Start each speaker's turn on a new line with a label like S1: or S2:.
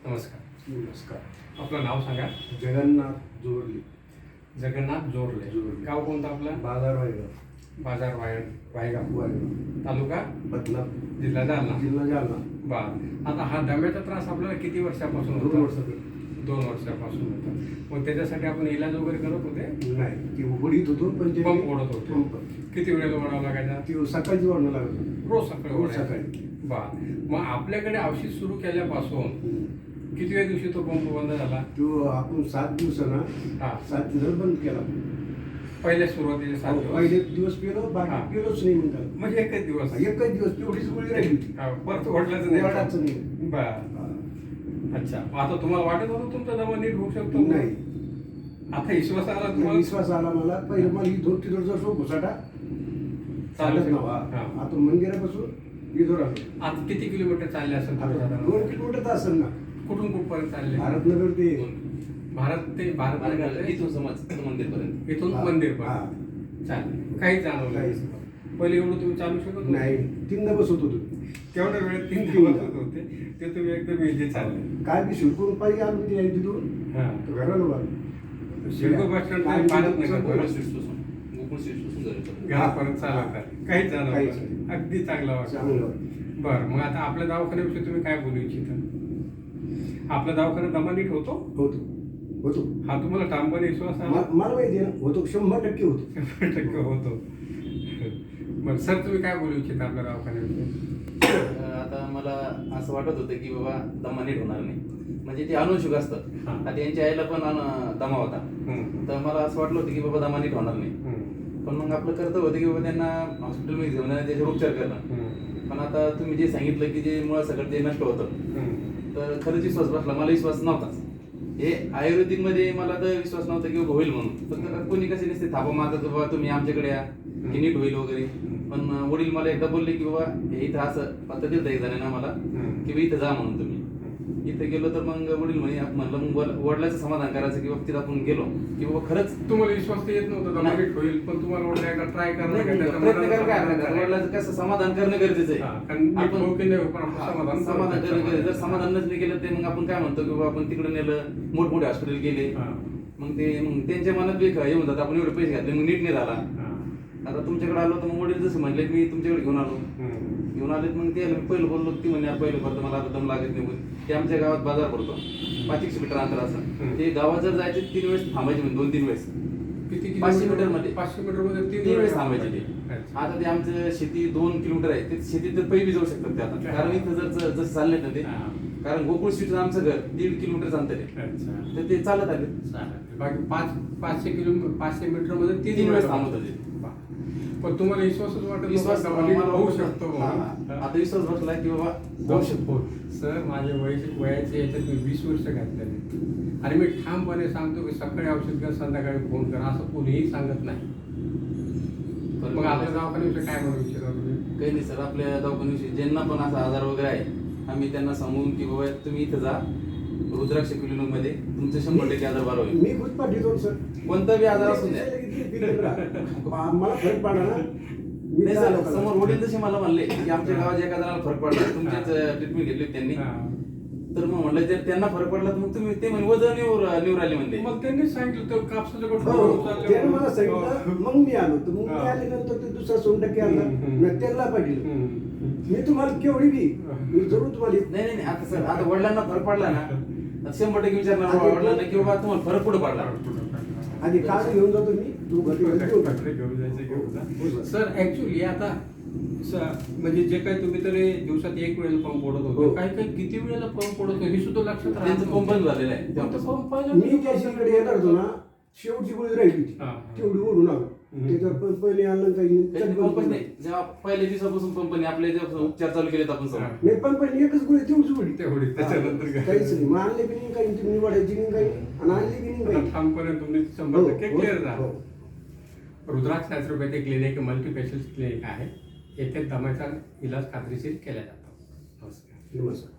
S1: नमस्कार.
S2: नमस्कार.
S1: आपलं नाव सांगा.
S2: जगन्नाथ जोरले.
S1: जगन्नाथ जोरले. गाव कोणतं आपलं?
S2: बाजार वायगाव.
S1: बाजार वायगाव.
S2: वायगाव
S1: तालुका
S2: बदनापूर,
S1: जिल्हा जालना.
S2: जिल्हा जालना.
S1: बर. आता हा दम्याचा त्रास आपल्याला किती वर्षापासून
S2: 2
S1: होता?
S2: वर्षापूर्वी.
S1: 2 वर्षापासून होता. मग त्याच्यासाठी आपण इलाज वगैरे करत होते?
S2: नाही, ती उघडीत होतो पण ते
S1: पंप ओढत होते.
S2: पंप
S1: किती वेळेला ओढावं लागायचा?
S2: ती सकाळची वाढणं लागलं.
S1: रोज सकाळी
S2: रोज
S1: ओढायचा.
S2: सकाळी.
S1: बर. मग आपल्याकडे औषध सुरू केल्यापासून कितव्या दिवशी तो पंप बंद झाला?
S2: तो आपण 7 दिवसांना
S1: हा.
S2: 7 दिवस बंद केला.
S1: पहिल्या सुरुवातीचे 7 दिवस.
S2: पहिले दिवस पिलो,
S1: हा.
S2: बाकी पिलोच नाही म्हणतात.
S1: म्हणजे एकच दिवस.
S2: एकच दिवस तेवढीच गोळी राहिली होती.
S1: हा, परत ओढल्याचं नाही.
S2: ओढायचं नाही.
S1: बर.
S2: हा.
S1: अच्छा. आता तुम्हाला वाटत होतं तुमचा दमा नीट होऊ शकतो?
S2: नाही.
S1: आता विश्वास आला तुम्हाला?
S2: विश्वास आला मला. पहिले मला ही 2-3 वर्ष घुसाटा
S1: चालू
S2: चालत नव्हा.
S1: हा.
S2: आता मंदिरापासून इथं राहतो.
S1: आज किती किलोमीटर चालले असेल तुम्ही
S2: आता
S1: साधारण?
S2: 2 किलोमीटर तर असेल ना.
S1: कुठून कुठपर्यंत चालले?
S2: भारतनगर ते
S1: भारत
S3: इथून समज मंदिरपर्यंत.
S1: इथून
S2: हा.
S1: मंदिर
S2: हा.
S1: चालेल. काहीच जाणवलं
S2: काहीच
S1: नाही. पहिले एवढं तुम्ही चालू शकत होते?
S2: नाही, 3दा बसत होतो.
S1: तेवढ्या वेळेत 3
S2: तीनदा.
S1: दिवस होते ते तुम्ही एकदम इझी चालले.
S2: काय बी शिरकून पाहिजे आलो मी तिथे तिथून
S1: हा.
S2: घराला उभा.
S1: शिरको बस स्टँड
S2: काय
S1: भारत
S2: तिथून
S1: नगर
S3: गोकुळ स्वीट्स पासून घरी.
S1: घरापर्यंत चालत काहीच
S2: काहीच
S1: जाणवलं
S2: नाही.
S1: नाही. अगदी चांगला वाटलं.
S2: चांगलं वाटलं.
S1: बरं. मग आता आपल्या दवाखान्याविषयी तुम्ही काय बोलू इच्छिता? आपला दवाखाना दमा नीट होतो?
S2: होतो.
S1: हा तुम्हाला ठामपणे विश्वास आला?
S2: मला माहिती आहे ना, होतो 100% होतो.
S1: 100% होतो. बरं सर, तुम्ही काय बोलू इच्छिता आपल्या दवाखान्याविषयी?
S3: आता मला असं वाटत होतं की बाबा दमा नीट होणार नाही, म्हणजे ते अनुशुक असतात.
S1: हा.
S3: आता यांच्या आईला पण दमा होता. तर मला असं वाटलं होतं की बाबा दमा नीट होणार नाही. पण मग आपलं कर्तव्य होतं की बाबा त्यांना हॉस्पिटलमध्ये घेऊन जाणं, त्याच्यावर उपचार करणं. पण आता तुम्ही जे सांगितलं की जे मुळात सगळं ते नष्ट होतं, तर खरंच विश्वास बसला. मला विश्वास नव्हताच. हे आयुर्वेदिक मध्ये मला तर विश्वास नव्हता की बाबा होईल म्हणून. फक्त कोणी कसे नसते थापा मारतात बाबा तुम्ही आमच्याकडे या की नीट होईल वगैरे. पण वडील मला एकदा बोलले की बाबा हे इथं असं पत्ता दिलं एक जणांना मला की बाबा इथं जा म्हणून तुम्ही. इथं गेलो तर मग वडील म्हणलं मग वडिलाचं समाधान करायचं की बाबा तिथं आपण गेलो की बाबा खरंच
S1: तुम्हाला विश्वास तर येत नव्हता दमा नीट होईल, पण तुम्हाला वाटलं एकदा ट्राय
S3: प्रयत्न करायला काय हरकत आहे? वडिलांचं कसं समाधान करणं गरजेचं आहे.
S1: आपण
S3: समाधान करणं गरजेचं. जर समाधान नसले केलं ते मग आपण काय म्हणतो की बाबा आपण तिकडे नेलं, मोठमोठे हॉस्पिटल गेले, मग त्यांच्या मनात बी हे म्हणतात आपण एवढे पैसे घातले मग नीट नाही झाला. आता तुमच्याकडे आलो तर मग वडील जसं म्हणले मी तुमच्याकडे घेऊन आले मग ते पहिलं बोललो ती म्हणे पहिलं भरतो मला आता दम लागत नाही. ते आमच्या गावात बाजार भरतो 500 मीटर अंतर असं. ते गावात जर जायचे 3 वेळेस थांबायचे म्हणजे 2-3 वेळेस.
S1: किती
S3: 500 मीटर मध्ये
S1: 500 मीटर मध्ये
S3: 3 वेळेस थांबायचे ते. आता ते आमचं शेती 2 किलोमीटर आहे, ते शेतीत तर पैबी जाऊ शकतात ते आता. कारण इथं जर जसं चालले ना ते, कारण गोकुळ स्वीट आमचं घर 1.5 किलोमीटर अंतर आहे, तर ते चालत आले.
S1: बाकी 500 मीटर मध्ये
S3: 3 वेळेस थांबत होते.
S1: पण तुम्हाला विश्वासच वाटत
S3: विश्वास
S1: नव्हता होऊ शकतो
S3: हा. आता विश्वास बसला की बाबा
S1: जाऊ शकतो. सर, माझ्या वयाच्या याच्यात मी 20 वर्ष घातलेले आणि मी ठामपणे सांगतो की सकाळी औषध घ्या, संध्याकाळी फोन करा, असं कोणीही सांगत नाही. मग आपल्या दवाखान्याविषयी काय म्हणू इच्छिता तुम्ही?
S3: काही नाही सर, आपल्या दवाखान्याविषयी ज्यांना पण असा आजार वगैरे आहे आम्ही त्यांना सांगून की बाबा तुम्ही इथं जा रुद्राक्ष क्लिनिक मध्ये तुमचं 100% आजार बरा होईल.
S2: मी खुद पाठवतो सर.
S3: कोणता बी आजार असू द्या.
S2: मला फरक पडला ना. मी
S3: नाही
S2: त्या
S3: सर,
S2: लोकांना-
S3: समोर वडील तसे मला म्हणले की आमच्या गावात एका जणाला फरक पडला, तुमचीच ट्रीटमेंट घेतली त्यांनी. तर मग म्हणलं जर त्यांना फरक पडला तर मग तुम्ही ते म्हणे वजन निवड आले म्हणते.
S1: मग त्यांनी सांगितलं तर कापसाचं
S2: हो,
S1: गोठं
S2: त्याने मला सांगितलं. मग मी आलो तर मग मी आल्यानंतर ते दुसरा 100% आणला. मी त्यांना पाठवलं. मी तुम्हाला केवढी बी मी जरूर तुम्हाला
S3: नाही आता सर, आता वडिलांना फरक पडला ना 100% विचारणार वडिलांना की बाबा तुम्हाला फरक कुठं पडला.
S2: आधी काळ घेऊन जातो मी. तू
S1: सर ऍक्च्युली आता म्हणजे जे काही तुम्ही तरी दिवसात 1 वेळेला पंप ओढत होते, काही किती वेळेला पंप ओढत होते हे सुद्धा लक्षात
S3: त्यांचं पंप बंद झालेलं आहे.
S2: मी त्याच्याकडे येणार होतो ना, शेवटची गोळी राहिली होती तेवढी ओढून आलो. त्याच्यावर पहिले आणलं
S3: पंपच नाही. जेव्हा पहिल्या दिवसापासून पंपनी आपले जे उपचार चालू केलेत आपण समोर
S2: नाही. पण पहिले एकच गोळी तेवढीच गोळी
S1: तेवढी, त्याच्यानंतर
S2: काहीच नाही. मग आणले बी नाही काही, तुम्ही वाढायची नाही काही आणि आणली बी नाही काही.
S1: ठामपणे तुम्ही 100% क्लिअर
S2: हो.
S1: झाला. Rudraksh astropathic clinic multi specialist clinic आहे. येथे दम्याचा इलाज खात्रीशीर केला जातो. नमस्कार.
S2: नमस्कार.